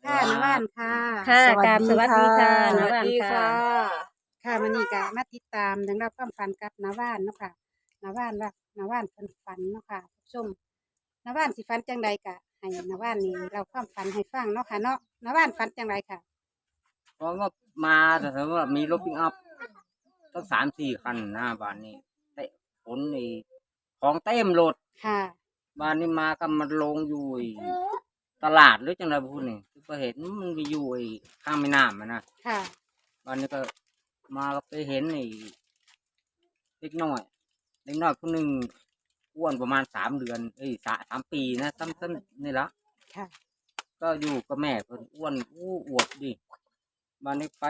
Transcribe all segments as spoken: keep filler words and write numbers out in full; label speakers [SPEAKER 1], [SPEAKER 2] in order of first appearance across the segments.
[SPEAKER 1] ค่ะน้าว่านค่ะ
[SPEAKER 2] ค่ะ
[SPEAKER 3] สวัส
[SPEAKER 2] กราบ
[SPEAKER 3] ดี
[SPEAKER 2] สวัสดีค่ะ
[SPEAKER 3] ค่ะ
[SPEAKER 2] น้าว่าน
[SPEAKER 1] สวัสดี
[SPEAKER 2] ค่ะ
[SPEAKER 1] ค่ะ ค่ะมื้อนี้ก็มาติดตามเรื่องราวความฝันกับน้าว่านเนาะค่ะน้าว่านว่าน้าว่านเพิ่นฝันเนาะค่ะท่านผู้ชมน้าว่านสิฝันจังใดก็ให้น้าว่านนี่เล่าความฝันให้ฟังเนาะค่ะเนาะน้าว่านฝันจังไดค่ะ
[SPEAKER 4] เพราะว่ามาแต่สมมติว่ามีรถปิกอัพตั้งสามสี่คันหน้าบ้านนี้เตะขนไอ้ของเต็มรถ
[SPEAKER 1] ค่ะ
[SPEAKER 4] บ้านนี้มาก็มันลงอยู่ไอ้ตลาดหรือจังไรพูดนี่ก็เห็นมันมีอยู่ไอ้ข้างแม่น้ำอะนะ
[SPEAKER 1] ค่ะ
[SPEAKER 4] บ้านนี้ก็มาก็ไปเห็นไอ้เล็กน้อยเล็กน้อยคนหนึ่งอ้วนประมาณสามเดือนเอ้ยสามสามปีนะซ้ำๆนี่ละ
[SPEAKER 1] ค่ะ
[SPEAKER 4] ก็อยู่กับแม่เพิ่นอ้วนอู้อวบดิบ้านนี้ไป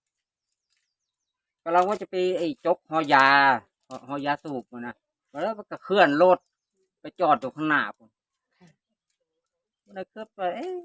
[SPEAKER 4] ก็เราว่าจะไปไอ้จกหอยาหหอยาสูบมานะแล้วมันก็เคลื่อนรถไปจอดอยู่ข้างหน้าผมแล้วก็ไปเอ๊ะ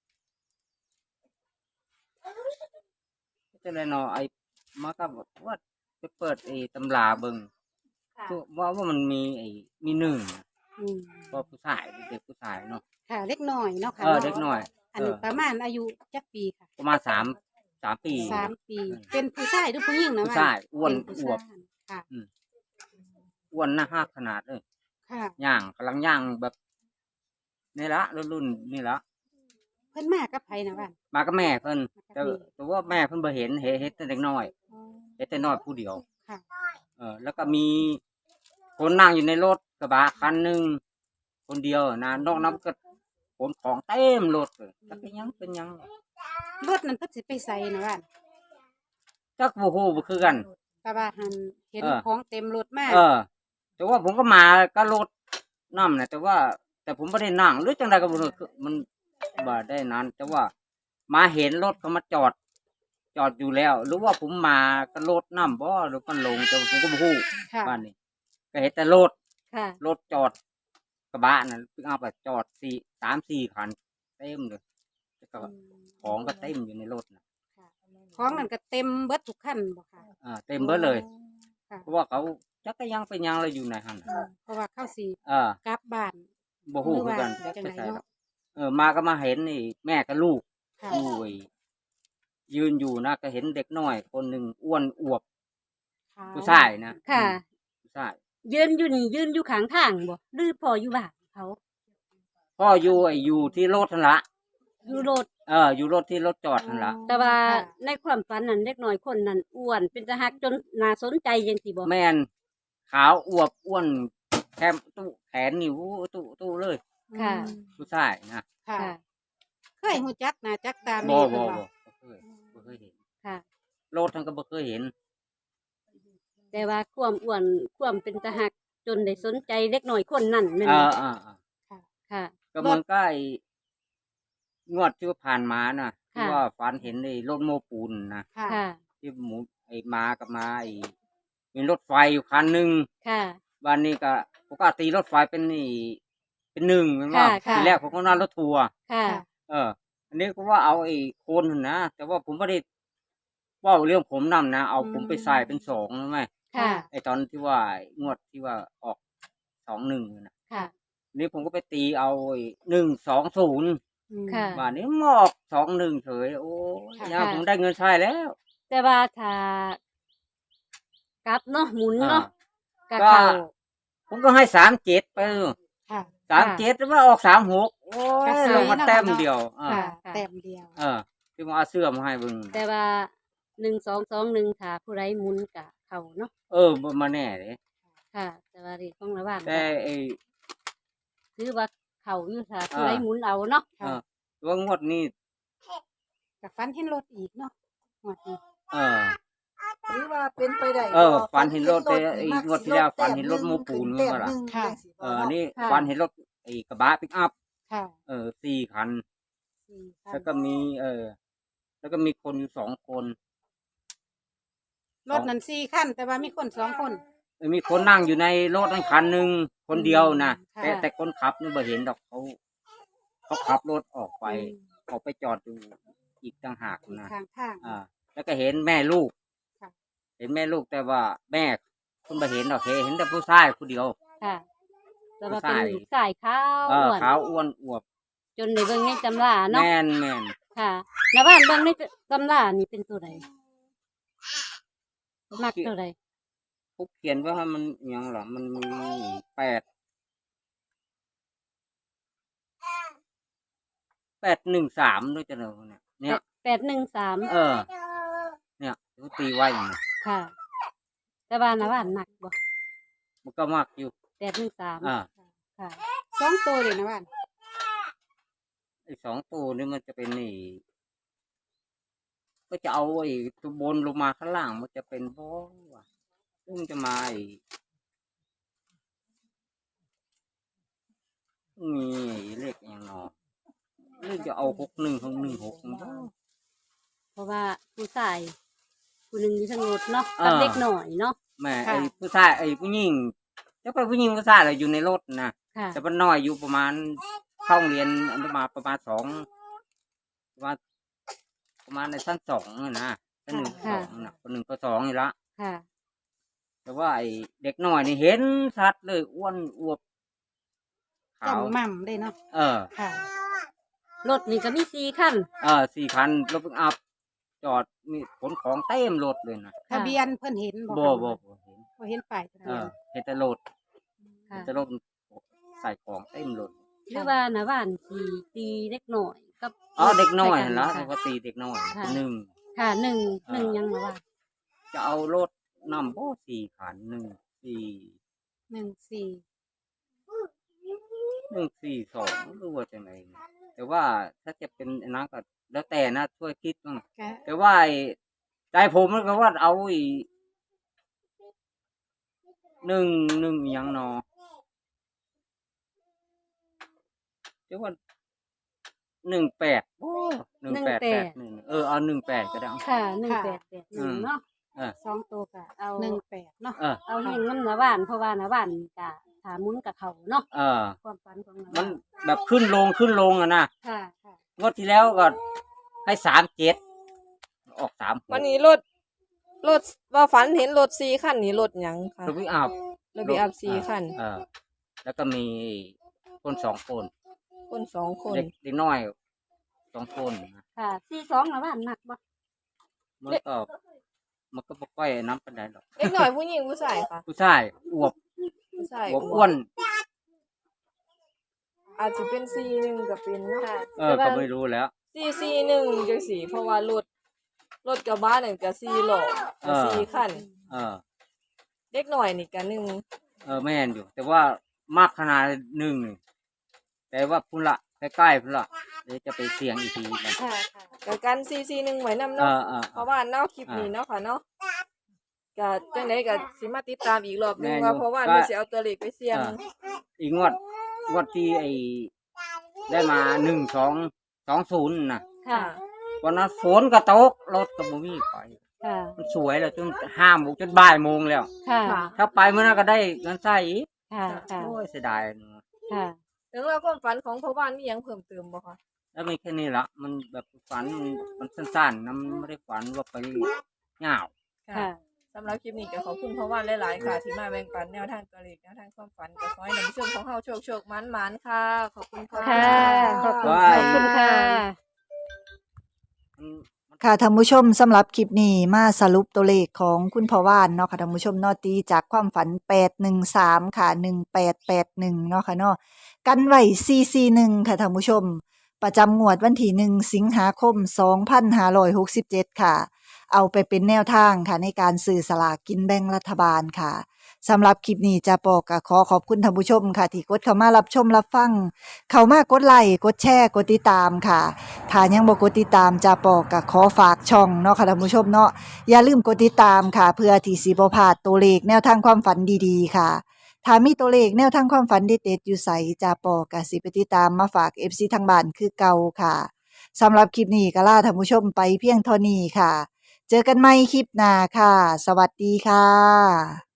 [SPEAKER 4] จะเลยเนาะไอ้มาก็บอกว่าไปเปิดไอ้ตำราเบิ่ง
[SPEAKER 1] ค่ะ
[SPEAKER 4] ว่าว่ามันมีไอ้มีหนึ่ง
[SPEAKER 1] อืม
[SPEAKER 4] ก็ผู้ชายเด็กผู้ชายเนาะ
[SPEAKER 1] ค่ะเล็กน้อยเนาะค่ะ
[SPEAKER 4] เออ
[SPEAKER 1] นาะ
[SPEAKER 4] เด็กน้อย
[SPEAKER 1] อันนี้
[SPEAKER 4] เออ
[SPEAKER 1] ประมาณอายุจักปีค่ะ
[SPEAKER 4] ประมาณสามสามปี
[SPEAKER 1] สามปี เป็นผู้ชายหรือผู้หญิงนะ
[SPEAKER 4] ผู้ชายอ้วน
[SPEAKER 1] เป็น
[SPEAKER 4] อ
[SPEAKER 1] ผู้
[SPEAKER 4] วบ
[SPEAKER 1] ชายค่ะ
[SPEAKER 4] อ้วนหน้าห้าขนาดเลย
[SPEAKER 1] ค่ะ
[SPEAKER 4] ย่างกำลังย่างแบบนี่ละรุ่นรุ่นนี่ละ
[SPEAKER 1] เพิ่นมากับไผนะว่าน
[SPEAKER 4] มากับแม่เพิ่น
[SPEAKER 1] มากับ
[SPEAKER 4] แต่
[SPEAKER 1] แม่
[SPEAKER 4] แต่ว่าแม่เพิ่นบ่เห็นเห็นเห็นแต่เด็กน้อย
[SPEAKER 1] อ๋อ
[SPEAKER 4] เห็นแต่น้อยผู้เดียว
[SPEAKER 1] ค่ะ
[SPEAKER 4] เออแล้วก็มีคนนั่งอยู่ในรถกระบะคันหนึ่งคนเดียวนะนอกนั้นก็ขนของเต็มรถเลยแล้วเป็นหยังเป็นหยัง
[SPEAKER 1] รถนั้นเพิ่นสิไปใส่นะว่าน
[SPEAKER 4] จักบ่ฮู้บ่คือกัน
[SPEAKER 1] แต่ว่าหันเห็น
[SPEAKER 4] เออ
[SPEAKER 1] ของเต็มรถมาก
[SPEAKER 4] เออ แต่ว่าผมก็มาก็รถนำนะแต่ว่า แต่ผมบ่ได้นั่งหรือจังไดก็บ่รู้คือมันบ่ได้นั้น แต่ว่ามาเห็นรถเขามาจอด จอดอยู่แล้ว หรือว่าผมมาก็รถนำบ่หรือมันลงแต่ผมก็บ่ฮู้
[SPEAKER 1] ค่ะ
[SPEAKER 4] บ้านนี้ก็เห็นแต่รถ
[SPEAKER 2] ค่ะ
[SPEAKER 4] รถจอดกระบะนั่นปิกอัพอะจอดสี่สามสี่คันเต็มเลยแล้วก็ของก็เต็มอยู่ในรถนะ
[SPEAKER 1] ค่ะของนั่นก็เต็มเบิดทุกคันบ่ค่ะ
[SPEAKER 4] อ่าเต็มเบิดเลย
[SPEAKER 1] ค่ะ
[SPEAKER 4] เพราะว่าเขาจักก็ยังเป็นยังอะไรอยู่ในหัน
[SPEAKER 1] อืมเพราะว่าเข้าสิ
[SPEAKER 4] เออก
[SPEAKER 1] ลับบ้าน
[SPEAKER 4] บ่ฮู้คือกัน
[SPEAKER 1] หรือว่า
[SPEAKER 4] จัก
[SPEAKER 1] จัง
[SPEAKER 4] ไป
[SPEAKER 1] ได
[SPEAKER 4] ใส่
[SPEAKER 1] เนาะ
[SPEAKER 4] เออมาก็มาเห็นนี่แม่กับลูก
[SPEAKER 1] ค่ะ
[SPEAKER 4] อยู่ไอ้ยืนอยู่นะก็เห็นเด็กน้อย คนหนึ่งอ้วนอวบผู้ชายนะ
[SPEAKER 2] ค่ะ
[SPEAKER 4] ผู้ชาย
[SPEAKER 2] ยืนอยู่นี่ยืนอยู่ข้างทางบ่หรือพออยู่บ้านเขา
[SPEAKER 4] พ่ออยู่ไอ้อยู่ที่รถนั่นละ
[SPEAKER 2] อยู่รถ
[SPEAKER 4] เอออยู่รถที่รถจอดนั่นละ
[SPEAKER 2] แต่ว่า
[SPEAKER 1] ค่ะ
[SPEAKER 2] ในความฝันนั้นเด็กน้อยคนนั้นอ้วนเป็นตาฮักจนน่าสนใจจังซี่บ่
[SPEAKER 4] แม่นขาวอวบอ้วนแคมตู้แขนนิ้วตู้ตู้เลย
[SPEAKER 2] ค่ะ
[SPEAKER 1] อืม
[SPEAKER 4] ผู้ชายนะ
[SPEAKER 1] ค่ะ
[SPEAKER 2] ค่ะ
[SPEAKER 1] เคยฮู้จักหน้าจักตา
[SPEAKER 4] บ่
[SPEAKER 1] แม่
[SPEAKER 4] บ่
[SPEAKER 1] เพิ่น
[SPEAKER 4] บ่
[SPEAKER 1] บ่
[SPEAKER 4] บ่เคยบ่เคยเห็น
[SPEAKER 2] ค่ะ
[SPEAKER 4] รถทั้งก็บ่เคยเห็น
[SPEAKER 2] แต่ว่าความอ้วนความเป็นตาฮักจนได้สนใจเด็กน้อยคนนั้นแม่น
[SPEAKER 4] เอ
[SPEAKER 2] บ่
[SPEAKER 4] ออ่าอ่า
[SPEAKER 2] ค่ะ
[SPEAKER 4] ก็มันก็ไอ้งวดที่ผ่านมาน่ะที่
[SPEAKER 2] ค่ะ
[SPEAKER 4] ว่าฝันเห็นไอ้รถโม้ปูนนะ
[SPEAKER 1] ค่ะ
[SPEAKER 2] ค่ะ
[SPEAKER 4] ที่หมูไอ้มากับมาไอ้มีรถไฟอยู่คันหนึง
[SPEAKER 2] ค่ะ
[SPEAKER 4] วันนี้ก็ปกติรถไฟเป็นนี่เป็นหนึ่งแม่นว่า
[SPEAKER 2] ค่ะค่ะ
[SPEAKER 4] ทีแรกผมก็นั่งรถทัวร์
[SPEAKER 2] ค่ะ
[SPEAKER 4] เออ อันนี้ก็ว่าเอาไอ้โคนนั่นนะแต่ว่าผมไม่ได้เว่าเรื่องผมนำนะเอาผมไปใส่เป็นสองใช่ไหม
[SPEAKER 2] ค่ะ
[SPEAKER 4] ไอ้ตอนที่ว่างวดที่ว่าออกสองหนึ่งนะ
[SPEAKER 2] ค่ะ
[SPEAKER 4] นี่ผมก็ไปตีเอาหนึ่งสองศูนย์
[SPEAKER 1] อืม
[SPEAKER 2] ค่ะ
[SPEAKER 4] ว่านี้มออกสองหนึ่งเฉยโอ้ย
[SPEAKER 1] ค่ะ
[SPEAKER 4] ยาผมได้เงินใช้แล้ว
[SPEAKER 2] แต่ว่าถ้ากลับเนาะหมุนเนาะ
[SPEAKER 4] อ่า
[SPEAKER 2] ก็เข้า
[SPEAKER 4] ผมก็ให้สามเจ็ดไป
[SPEAKER 1] ค่ะ
[SPEAKER 4] สามเจ็ดแล้วมาออกสามหกโอ้
[SPEAKER 1] กระ
[SPEAKER 4] ย
[SPEAKER 1] สือ
[SPEAKER 4] ลงมา
[SPEAKER 1] เนาะ
[SPEAKER 4] แต้ม
[SPEAKER 1] เนาะ
[SPEAKER 4] เดียวอ่า
[SPEAKER 1] ค่ะ
[SPEAKER 2] ค่ะ
[SPEAKER 1] แต้มเดียว
[SPEAKER 4] เออที่มาเอาเสื้อมาให้เบิ่ง
[SPEAKER 2] แต่ว่าหนึ่งสองสองหนึ่งถ้าผู้ใดหมุนกะเข้าเนาะ
[SPEAKER 4] เออบ่มาแน่เลย
[SPEAKER 2] ค่ะ แต่ว่าเรีของระหว่าง
[SPEAKER 4] แต่ไอ้
[SPEAKER 2] คือว่าเข้าอยู่ถ้าผู้
[SPEAKER 4] อ่า
[SPEAKER 2] ใดหมุนเอาเนาะ
[SPEAKER 4] เออว่างวดนี้
[SPEAKER 1] กับฟันเห็นรถอีกเนาะงวดนี้
[SPEAKER 4] เออ
[SPEAKER 3] หรือว่าเป็นไปได้
[SPEAKER 4] เออฝันเห็นรถแต่ไอ้งวดที่แล้วฝันเห็นรถโม้ปูน
[SPEAKER 3] แต้ม
[SPEAKER 4] ว่าล่ะ
[SPEAKER 3] หนึ่ง
[SPEAKER 1] ค่ะ
[SPEAKER 3] จังสิบ่
[SPEAKER 4] เออ
[SPEAKER 3] เนาะ
[SPEAKER 4] นี่
[SPEAKER 2] ค่ะ
[SPEAKER 4] ฝันเห็นรถไอ้กระบะปิกอัพ
[SPEAKER 1] ค่ะ
[SPEAKER 4] เออสี่คัน
[SPEAKER 1] สี่คัน
[SPEAKER 4] แล้วก็มี เออ แล้วก็มีคนอยู่สองคน
[SPEAKER 1] รถนั้นสี่คันแต่ว่ามีคนสองคน
[SPEAKER 4] เออมีคนนั่งอยู่ในรถนั่นคันหนึ่งคนเดียวนะ
[SPEAKER 1] ค่ะ
[SPEAKER 4] แต่แต่คนขับนี่บ่เห็นดอกเขาเขาขับรถออกไป
[SPEAKER 1] อืม
[SPEAKER 4] ออกไปจอดอยู่อีกต่างหากนะ
[SPEAKER 1] ทางทาง
[SPEAKER 4] อ่า แล้วก็เห็นแม่ลูก
[SPEAKER 1] ค่ะ
[SPEAKER 4] เห็นแม่ลูกแต่ว่าแม่คุณบ่เห็นดอกเห็นแต่ผู้ชายผู้เดียว
[SPEAKER 2] ค่ะ แต่ว่า
[SPEAKER 4] ผู้
[SPEAKER 2] เป็น
[SPEAKER 4] ชาย
[SPEAKER 2] ลูกชายขาว
[SPEAKER 4] เออ
[SPEAKER 2] อ้วน
[SPEAKER 4] ขาวอ้วนอวบ
[SPEAKER 2] จนในเบิ่งในตำราเนาะ
[SPEAKER 4] แม่นแม่น
[SPEAKER 2] ค่ะนาบ้านเบิ่งในตำรานี่เป็นตัวใดมักตัวใด
[SPEAKER 4] เขาเขียนว่ามันหยังหรอมันมีแปดแปดหนึ่งสามด้วยจะเนอะเนี่ยเนี่ย
[SPEAKER 2] แปดหนึ่งสาม
[SPEAKER 4] เออ เนี่ยเขาตีไว้อย่างนี้
[SPEAKER 2] ค่ะ แต่ว่านาบ้านหนักบ่
[SPEAKER 4] มันก็มากอยู่
[SPEAKER 2] แปดหนึ่งสาม
[SPEAKER 4] อ่า
[SPEAKER 2] ค่ะ
[SPEAKER 1] สองตัวเลยนะบ้าน
[SPEAKER 4] ไอ้สองตัวนี่มันจะเป็นนี่ก็จะเอาไอ้ตัวบนลงมาข้างล่างมันจะเป็นบ่ว่ะซึ่งจะมาไอ้มีเลขอย่างเนอหรือจะเอาหกหนึ่งหกหนึ่งหกบ่
[SPEAKER 2] เพราะว่าผู้ชายผู้หนึ่งอยู่ทางรถเนาะกับเด็กหน่อยเนาะ
[SPEAKER 4] แม่ไอ้ผู้ชายไอ้ผู้หญิงจะไปผู้หญิงผู้ชายอะไรอยู่ในรถนะ
[SPEAKER 2] ค่ะ
[SPEAKER 4] แต่มันน้อยอยู่ประมาณเข้าโรงเรียนอันประมาณประมาณสองประมาณประมาณในชั้นสองอะนะชั้นหนึ่งสองนะคนหนึ่งก็สองนี่ละ
[SPEAKER 2] ค่ะ
[SPEAKER 4] แต่ว่าไอ้เด็กน้อยนี่เห็นชัดเลยอ้วนอวบขาว
[SPEAKER 1] จำม่ำได้เนาะ
[SPEAKER 4] เออ
[SPEAKER 1] ค่ะ
[SPEAKER 2] รถนี่ก็มีสี่คัน
[SPEAKER 4] เออสี่คันรถพิกอัพจอดมีขนของเต็มรถเลยนะ
[SPEAKER 1] ทะเบียนเพิ่นเห็น
[SPEAKER 4] บ่
[SPEAKER 1] คะ
[SPEAKER 4] บ่บ่เห็น
[SPEAKER 1] บ่เห็นป้ายทะ
[SPEAKER 4] เอ
[SPEAKER 1] เบีย
[SPEAKER 4] อน เห็นแต่รถเห็
[SPEAKER 2] ค่ะ
[SPEAKER 4] นแต่รถใส่ของเต็มรถ
[SPEAKER 2] หรือว่านาบ้านสีตีเด็กหน่อยกับ
[SPEAKER 4] อ๋อเด็กน้อย
[SPEAKER 2] ใส่
[SPEAKER 4] เห็นแล้ว
[SPEAKER 2] ค่ะ
[SPEAKER 4] ปกติเด็กน้อย
[SPEAKER 2] ค่ะ
[SPEAKER 4] เป็นหนึ่ง
[SPEAKER 2] ค่ะหนึ่ง
[SPEAKER 4] อ่า
[SPEAKER 2] หนึ่งยังนาบ้าน
[SPEAKER 4] จะเอารถนำโอ้สี่ขันหนึ่งสี่
[SPEAKER 1] หนึ่งสี่
[SPEAKER 4] หนึ่งสี่สองหรือว่าจะไงแต่ว่าถ้าจะเป็นอันนั้นก็แล้วแต่นะช่วยคิดบ้าง
[SPEAKER 1] ก็
[SPEAKER 4] แต่ว่าไอ้ใจผมมันก็ว่าเอาอีหนึ่งหนึ่งอยังนอจะว่าหนึ่งแปดโอ้หนึ่งแปดแปดหนึ่งเออเอาหนึ่งแปดก็ได้เอา
[SPEAKER 2] ค่ะหนึ่งแปดแปดหนึ่งเนาะ
[SPEAKER 4] เออ
[SPEAKER 1] สองตัวก็
[SPEAKER 2] เอา
[SPEAKER 1] หนึ่งแปดเนาะ
[SPEAKER 4] เออ
[SPEAKER 2] เอาหิงน้ำนาบ้านเพราะว่านาบ้านกะถามุนกับเขาเนาะ
[SPEAKER 4] เออ
[SPEAKER 2] ความฝันของนา
[SPEAKER 4] มั
[SPEAKER 2] บ้าน น
[SPEAKER 4] แบบขึ้นลงขึ้นลงอะนะ
[SPEAKER 2] ค่ะค่ะ
[SPEAKER 4] งวดที่แล้วก็ให้สามเจ็ดออกสาม
[SPEAKER 5] วันนี้รถรถว่าฝันเห็นรถสี่คันนี่รถหยังค่ะ
[SPEAKER 4] รถวิอัพ
[SPEAKER 5] รถบีอัพสี่คัน
[SPEAKER 4] เออ แล้วก็มีคนสองคน
[SPEAKER 5] คนสองคน
[SPEAKER 4] เด็กเด็กน้อยสองคนนะ
[SPEAKER 2] ค่ะสี่สองนาบ้านหนักบ่
[SPEAKER 4] มันก็มันก็บ่ค่อยน้ำปันไดหรอก
[SPEAKER 5] เล็กหน่อยผู้หญิงผู้ชายค่ะ
[SPEAKER 4] ผู้ชายอวบ
[SPEAKER 5] ผู้ชาย
[SPEAKER 4] อวบอ้วน
[SPEAKER 5] อาจจะเป็นสี่หนึ่งกับเป็นเนาะ
[SPEAKER 2] ค่ะ
[SPEAKER 4] เออก็ไม่รู้แล้ว
[SPEAKER 5] สี่สี่หนึ่งจังสี่เพราะว่ารถรถกระบะนี่ก็สี่ล้อก็สี่คัน
[SPEAKER 4] เออ
[SPEAKER 5] เล็กหน่อยนี่ก็หนึ่ง
[SPEAKER 4] เออแม่นอยู่ แต่ว่ามากขนาดหนึ่งนี่แต่ว่าพุ่นละใกล้ๆพุ่นละเดี๋ยวจะไปเสี่ยงอีกทีนะ
[SPEAKER 2] ค่ะค่ะ
[SPEAKER 5] ก็กันสี่สี่หนึ่งไว้นำ
[SPEAKER 4] เอ
[SPEAKER 5] เนาะ
[SPEAKER 4] อเออ
[SPEAKER 5] เพราะว่าเนาะคลิปนี้เนาะค่ะเนาะก็จังไดก็สิมาติดตามอีกรอบหนึงว่าเพราะว่ามันสิเอาตัวเลขไปเสี่ยง
[SPEAKER 4] อีกงวดงวดที่ไอ้ได้มาหนึ่งสองสองศูนย์นะ
[SPEAKER 2] ค่ะ
[SPEAKER 4] วันนั้นฝนก็ตกรถก็บ่มีไป
[SPEAKER 2] ค่ะ
[SPEAKER 4] มันสวยแล้วจนห้าโมงจนบ่ายโมงแล้ว
[SPEAKER 2] ค่ะ
[SPEAKER 5] ค่ะ
[SPEAKER 4] ถ้าไปเมื่อนั้นก็ได้เงินใส่อีก
[SPEAKER 2] ค่ะค่ะ
[SPEAKER 4] โอ้ยเสียดายเนอะ
[SPEAKER 2] ค่ะ
[SPEAKER 5] ถึงเราความฝันของพ่อบ้านมีหยังเพิ่มเติมบ่คะ
[SPEAKER 4] แล้วไม่แค่นี้ละมันแบบฝันมันมันสั้นๆนะมันไม่ได้ฝันว่าไปเหงา
[SPEAKER 2] ค่ะ
[SPEAKER 5] สำหรับคลิปนี้ก็ขอบคุณพ่อบ้านหลายๆค่ะ ที่มาแบ่งปันแนวทางตัวเลขแนวทางความฝันก็ขอให้นำช่วงของเฮาโชคโชคมันมันๆค่ะ ขอบคุณค่ะ
[SPEAKER 2] ค่ะขอบคุณ
[SPEAKER 4] ว่า
[SPEAKER 2] ขอบคุณค่ะ
[SPEAKER 4] มัน
[SPEAKER 3] ค่ะท่านผู้ชมสำหรับคลิปนี้มาสรุปตัวเลขของคุณพ่อว่านเนาะค่ะท่านผู้ชมเนาะตีจากความฝันแปดหนึ่งสามค่ะหนึ่งแปดแปดหนึ่งเนาะค่ะเนาะกันไว้สี่สี่หนึ่งค่ะท่านผู้ชม ประจำงวดวันที่หนึ่งสิงหาคมสองพันห้าร้อยหกสิบเจ็ดค่ะ เอาไปเป็นแนวทางค่ะในการซื้อสลากกินแบ่งรัฐบาลค่ะสำหรับคลิปนี้จะปอกก็ขอขอบคุณท่านผู้ชมค่ะ ที่กดเข้ามารับชมรับฟัง เข้ามากดไลค์กดแชร์กดติดตามค่ะ ถ้ายังบ่กดติดตามจะปอกก็ขอฝากช่องเนาะค่ะท่านผู้ชมเนาะอย่าลืมกดติดตามค่ะ เพื่อที่สิบ่พลาดตัวเลขแนวทางความฝันดีๆค่ะถ้ามีตัวเลขแนวทางความฝันเด็ดๆอยู่ไสจะปอกก็สิไปติดตามมาฝาก เอฟ ซี ทางบ้านคือเก่าค่ะสำหรับคลิปนี้ก็ลาท่านผู้ชมไปเพียงเท่านี้ค่ะ เจอกันใหม่คลิปหน้าค่ะ สวัสดีค่ะ